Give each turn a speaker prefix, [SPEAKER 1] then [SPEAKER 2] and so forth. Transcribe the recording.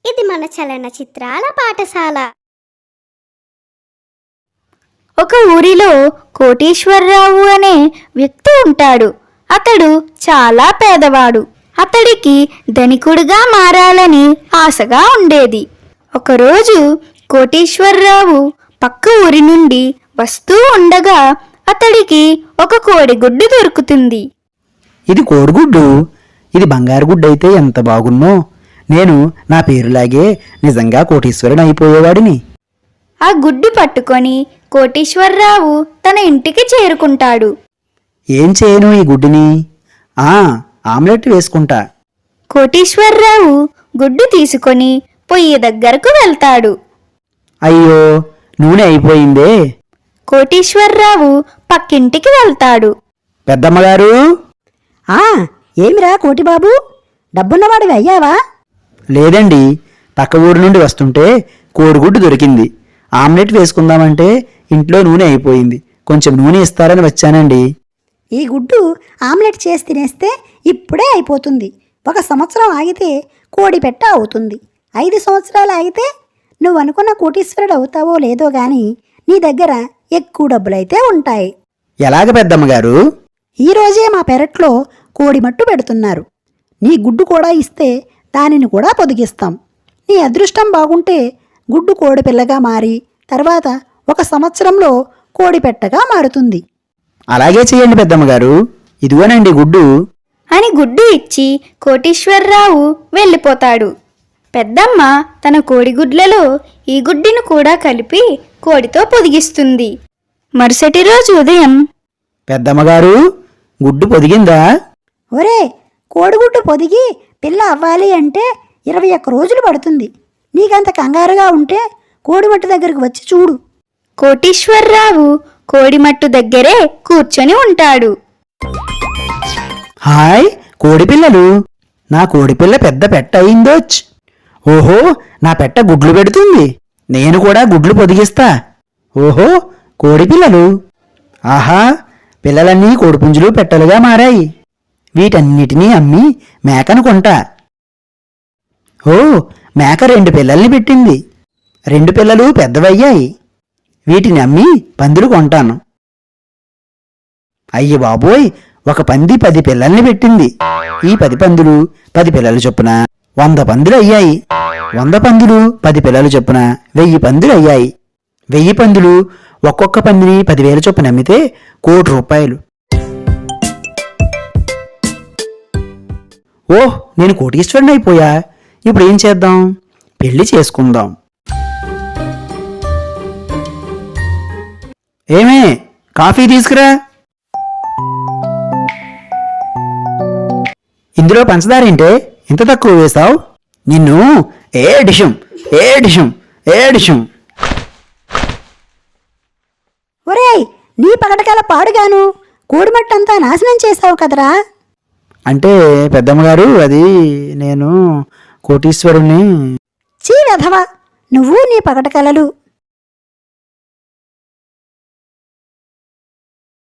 [SPEAKER 1] ఇది మన చలనచిత్రాల పాఠశాల.
[SPEAKER 2] ఒక ఊరిలో కోటీశ్వరరావు అనే వ్యక్తి ఉంటాడు. అతడు చాలా పేదవాడు. అతడికి ధనికుడిగా మారాలని ఆశగా ఉండేది. ఒకరోజు కోటీశ్వరరావు పక్క ఊరి నుండి వస్తూ ఉండగా అతడికి ఒక కోడిగుడ్డు దొరుకుతుంది.
[SPEAKER 3] ఇది కోడిగుడ్డు, ఇది బంగారు గుడ్డు అయితే ఎంత బాగున్నో. నేను నా పేరులాగే నిజంగా కోటీశ్వరుని అయిపోయేవాడిని.
[SPEAKER 2] ఆ గుడ్డు పట్టుకొని కోటీశ్వరరావు తన ఇంటికి చేరుకుంటాడు.
[SPEAKER 3] ఏం చేయను ఈ గుడ్డుని? ఆమ్లెట్ వేసుకుంటా.
[SPEAKER 2] కోటీశ్వరరావు గుడ్డు తీసుకొని పొయ్యి దగ్గరకు వెళ్తాడు.
[SPEAKER 3] అయ్యో, నూనె అయిపోయిందే.
[SPEAKER 2] కోటీశ్వరరావు పక్కింటికి వెళ్తాడు.
[SPEAKER 3] పెద్దమ్మగారు.
[SPEAKER 4] ఏమిరా కోటిబాబు, డబ్బున్నవాడివి అయ్యావా?
[SPEAKER 3] లేదండి, పక్క ఊరు నుండి వస్తుంటే కోడిగుడ్డు దొరికింది. ఆమ్లెట్ వేసుకుందామంటే ఇంట్లో నూనె అయిపోయింది. కొంచెం నూనె ఇస్తారని వచ్చానండి.
[SPEAKER 4] ఈ గుడ్డు ఆమ్లెట్ చేసి తినేస్తే ఇప్పుడే అయిపోతుంది. 1 సంవత్సరం ఆగితే కోడి పెట్ట అవుతుంది. 5 సంవత్సరాలు ఆగితే నువ్వు అనుకున్న కోటీశ్వరుడు అవుతావో లేదో గాని నీ దగ్గర ఎక్కువ డబ్బులైతే ఉంటాయి.
[SPEAKER 3] ఎలాగ పెద్దమ్మగారు?
[SPEAKER 4] ఈరోజే మా పెరట్లో కోడి మట్టు పెడుతున్నారు. నీ గుడ్డు కూడా ఇస్తే దానిని కూడా పొదిగిస్తాం. నీ అదృష్టం బాగుంటే గుడ్డు కోడి పిల్లగా మారి తర్వాత 1 సంవత్సరంలో కోడి పెట్టగా మారుతుంది.
[SPEAKER 3] అలాగే చేయండి పెద్దమ్మగారు. ఇదిగోనండి గుడ్డు
[SPEAKER 2] అని గుడ్డు ఇచ్చి కోటీశ్వరరావు వెళ్ళిపోతాడు. పెద్దమ్మ తన కోడిగుడ్లలో ఈ గుడ్డును కూడా కలిపి కోడితో పొదిగిస్తుంది. మరుసటి రోజు ఉదయం,
[SPEAKER 3] పెద్దమ్మగారు, గుడ్డు పొదిగిందా?
[SPEAKER 4] ఒరే, కోడిగుడ్డు పొదిగి పిల్ల అవ్వాలి అంటే 21 రోజులు పడుతుంది. నీకంత కంగారుగా ఉంటే కోడిమట్టు దగ్గరకు వచ్చి చూడు.
[SPEAKER 2] కోటీశ్వరరావు కోడిమట్టు దగ్గరే కూర్చొని ఉంటాడు.
[SPEAKER 3] హాయ్ కోడిపిల్లలు, నా కోడిపిల్ల పెద్ద పెట్ట అయిందోచ్. ఓహో, నా పెట్ట గుడ్లు పెడుతుంది. నేను కూడా గుడ్లు పొదిగిస్తా. ఓహో కోడిపిల్లలు, ఆహా, పిల్లలన్నీ కోడిపుంజులు పెట్టలుగా మారాయి. వీటన్నిటినీ అమ్మి మేకను కొంటా. ఓ, మేక 2 పిల్లల్ని పెట్టింది. 2 పిల్లలు పెద్దవయ్యాయి. వీటిని అమ్మి పందులు కొంటాను. అయ్య బాబోయ్, ఒక పంది 10 పిల్లల్ని పెట్టింది. ఈ 10 పందులు 10 పిల్లలు చొప్పున 100 పందులు అయ్యాయి. 100 పందులు 10 పిల్లలు చొప్పున 1000 పందులు అయ్యాయి. 1000 పందులు ఒక్కొక్క పందిని 10,000 చొప్పున అమ్మితే ₹1,00,00,000. ఓహ్, నేను కోటీశ్వరుని అయిపోయా. ఇప్పుడు ఏం చేద్దాం? పెళ్లి చేసుకుందాం. ఏమే, కాఫీ తీసుకురా. ఇందులో పంచదారేంటే ఇంత తక్కువ వేశావు? నిన్ను ఏడిషం.
[SPEAKER 4] ఒరేయ్, నీ పగటకాల పాడుగాను కోడిమట్టంతా నాశనం చేశావు కదరా.
[SPEAKER 3] అంటే పెద్దమ్మగారు, అది నేను కోటీశ్వరుని.
[SPEAKER 4] చీ వెధవా, నువ్వు నీ పగటకలలు.